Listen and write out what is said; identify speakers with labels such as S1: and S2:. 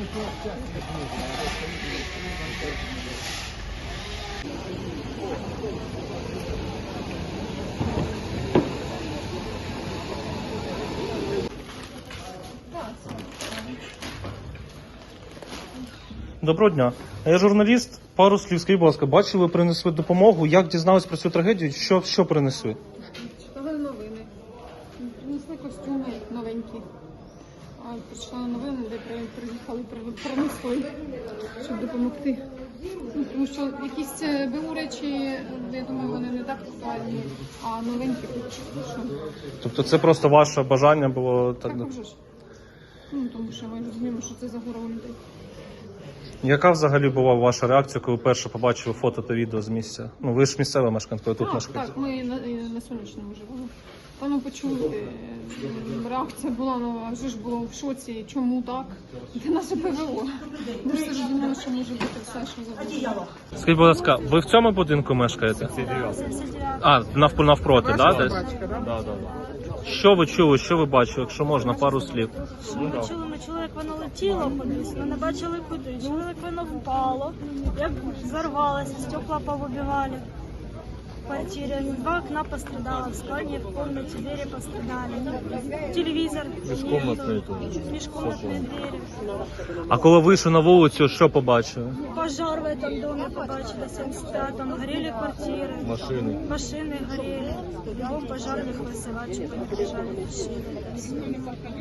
S1: Доброго дня. Я журналіст. Пару слів, скажіть, будь ласка, бачили, принесли допомогу. Як дізнались про цю трагедію? Що принесли?
S2: Читали новини. Принесли костюми новенькі. А прочитали новини, де приїхали, принесли, щоб допомогти. Тому що якісь БУ речі, я думаю, вони не так актуальні, а новенькі.
S1: Тобто це просто ваше бажання було?
S2: Так, вже ж. Тому що ми розуміємо, що це загора у людей.
S1: Яка взагалі була ваша реакція, коли вперше побачили фото та відео з місця? Ну, ви ж місцева мешканка, тут мешкаєте.
S2: Так, ми на Сонячному живемо. Там ми почули, реакція була, а вже ж було в шоці, чому так? Де наше ПВО? Ми ж завжди думали, що може бути все, що завгодно.
S1: Скажіть, будь ласка, ви в цьому будинку мешкаєте? А, навпроти, так? Десь?
S3: Да.
S1: Що ви чули, що ви бачили, якщо можна, пару слів?
S4: Ми чули, як воно летіло кудись, ми не бачили куди. Чули, як воно впало, як взорвалося, стекла повибивали. В квартире 2 окна пострадало, в спальне, в комнате двери пострадали. Телевизор, межкомнатные двери.
S1: А коли вийшли на вулицю, що побачили?
S4: Пожар в этом доме побачили, 75-м, горели квартиры. Машины горели. Бегом пожарных вызывать, чтобы не бежали машины.